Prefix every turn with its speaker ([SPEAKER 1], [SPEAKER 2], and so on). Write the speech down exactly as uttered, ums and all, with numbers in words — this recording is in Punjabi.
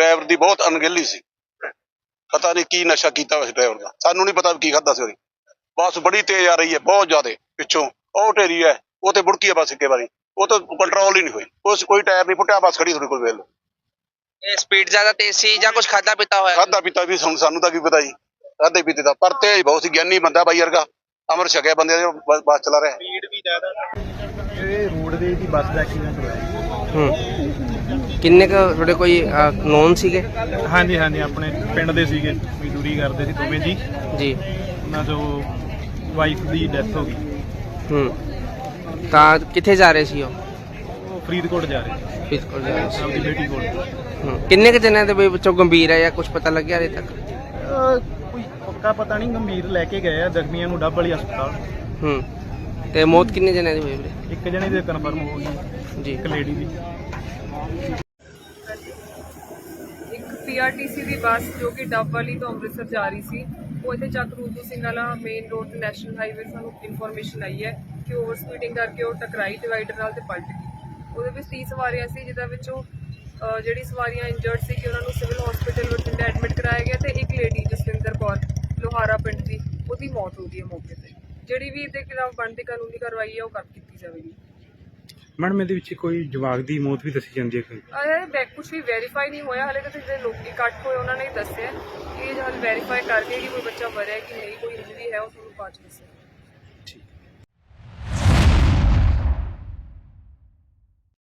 [SPEAKER 1] ड्राइवर की बहुत अनगहली सी, पता नहीं की नशा किया उस ड्राइवर का, सानू नहीं पता की खादा सी। बस बड़ी तेज आ रही है, बहुत ज्यादा पिछों ਉਹ ਢੇਰੀ है, वो तो मुड़की है बस एक बारी, वो तो कंट्रोल ही नहीं हुई, उस कोई टायर नहीं फुटिया, बस खड़ी थोड़ी कोई वेल
[SPEAKER 2] स्पीड ज्यादा तेज सी या कुछ खादा पीता होया?
[SPEAKER 1] खादा पीता भी सानू सानू तो की पता जी, खादे पीते का, पर तेज बहुत सी, ज्ञानी बंदा बाई वर्गा, अमर छकिया बंदे जो बस चला रहा है।
[SPEAKER 3] स्पीड भी ज्यादा, ये रोडवेज की बस का एक्सीडेंट हुआ है।
[SPEAKER 2] हम्म किन्ने का थोड़े कोई नोन ਸੀਗੇ?
[SPEAKER 3] हाँ जी हाँ जी, अपने पिंड ਦੇ ਸੀਗੇ, ਮਜ਼ਦੂਰੀ ਕਰਦੇ ਸੀ ਦੋਵੇਂ ਜੀ
[SPEAKER 2] ਜੀ।
[SPEAKER 3] ਉਹਨਾਂ ਤੋਂ ਵਾਈਫ ਦੀ ਡੈਥ ਹੋ ਗਈ।
[SPEAKER 2] ਹੂੰ ਤਾਂ ਕਿੱਥੇ ਜਾ ਰਹੇ ਸੀ ਉਹ?
[SPEAKER 3] ਉਹ ਫਰੀਦਕੋਟ ਜਾ ਰਹੇ ਸੀ
[SPEAKER 2] ਫਰੀਦਕੋਟ ਜਾ ਰਹੇ ਸੀ।
[SPEAKER 3] ਆਪਣੀ ਬੇਟੀ ਕੋਲ।
[SPEAKER 2] ਹੂੰ ਕਿੰਨੇ ਕੁ ਜਣਿਆਂ ਦੇ ਵਿੱਚੋਂ ਗੰਭੀਰ ਹੈ ਜਾਂ ਕੁਝ ਪਤਾ ਲੱਗਿਆ ਹਲੇ ਤੱਕ?
[SPEAKER 3] ਕੋਈ ਪੱਕਾ ਪਤਾ ਨਹੀਂ, ਗੰਭੀਰ ਲੈ ਕੇ ਗਏ ਆ, ਜ਼ਖਮੀਆਂ ਨੂੰ ਡੱਬ ਵਾਲੀ ਹਸਪਤਾਲ।
[SPEAKER 2] ਹੂੰ ਤੇ ਮੌਤ ਕਿੰਨੇ ਜਣਿਆਂ ਦੀ ਹੋਈ ਵੀਰੇ?
[SPEAKER 3] ਇੱਕ ਜਣੇ ਦੀ ਕਨਫਰਮ ਹੋ ਗਈ
[SPEAKER 2] ਜੀ।
[SPEAKER 3] ਇੱਕ ਲੇਡੀ ਦੀ।
[SPEAKER 4] ਇੱਕ ਪੀਆਰਟੀਸੀ ਦੀ ਬੱਸ ਜੋ ਕਿ ਡੱਬ ਵਾਲੀ ਤੋਂ ਅੰਮ੍ਰਿਤਸਰ ਜਾ ਰਹੀ ਸੀ, ਉਹ ਇੱਥੇ ਚੱਕ ਰੂਦੂ ਸਿੰਘ ਵਾਲਾ ਮੇਨ ਰੋਡ ਤੇ ਨੈਸ਼ਨਲ ਹਾਈਵੇ ਸਾਨੂੰ ਇਨਫੋਰਮੇਸ਼ਨ ਆਈ ਹੈ ਕਿ ਓਵਰ ਸਪੀਡਿੰਗ ਕਰਕੇ ਉਹ ਟਕਰਾਈ ਡਿਵਾਈਡਰ ਨਾਲ ਤੇ ਪਲਟ ਗਈ। ਉਹਦੇ ਵਿੱਚ ਤੀਹ ਸਵਾਰੀਆਂ ਸੀ, ਜਿਹਦੇ ਵਿੱਚੋਂ ਜਿਹੜੀ ਸਵਾਰੀਆਂ ਇੰਜਰਡ ਸੀ ਕਿ ਉਹਨਾਂ ਨੂੰ ਸਿਵਲ ਹਸਪੀਟਲ ਬਠਿੰਡਾ ਐਡਮਿਟ ਕਰਾਇਆ ਗਿਆ ਤੇ ਇੱਕ ਲੇਡੀ ਜਸਵਿੰਦਰ ਕੌਰ ਲੋਹਾਰਾ ਪਿੰਡ ਦੀ, ਉਹਦੀ ਮੌਤ ਹੋ ਗਈ ਹੈ ਮੌਕੇ ਤੇ। ਜਿਹੜੀ ਵੀ ਇਹਦੇ ਖਿਲਾਫ ਬਣਦੀ ਕਾਨੂੰਨੀ ਕਾਰਵਾਈ ਹੈ ਉਹ ਕਰ ਕੀਤੀ ਜਾਵੇਗੀ।
[SPEAKER 3] ਮੈਡਮ ਇਹਦੇ ਵਿੱਚ ਕੋਈ ਜਵਾਕ ਦੀ ਮੌਤ ਵੀ ਦੱਸੀ ਜਾਂਦੀ ਹੈ?
[SPEAKER 4] ਅਰੇ ਬੈਕ ਕੁਛ ਵੀ ਵੈਰੀਫਾਈ ਨਹੀਂ ਹੋਇਆ ਹਾਲੇ ਤੱਕ, ਜਿਹੜੇ ਲੋਕੀ ਇਕੱਠ ਹੋਏ ਉਹਨਾਂ ਨੇ ਦੱਸਿਆ ਕਿ ਇਹ ਹਾਲੇ ਵੈਰੀਫਾਈ ਕਰਕੇ ਕਿ ਕੋਈ ਬੱਚਾ ਮਰਿਆ ਕਿ ਨਹੀਂ, ਕੋਈ ਇੰਜਰੀ ਹੈ, ਉਹ ਤੁਹਾਨੂੰ ਬਾਅਦ ਚ ਦੱਸਿਆ।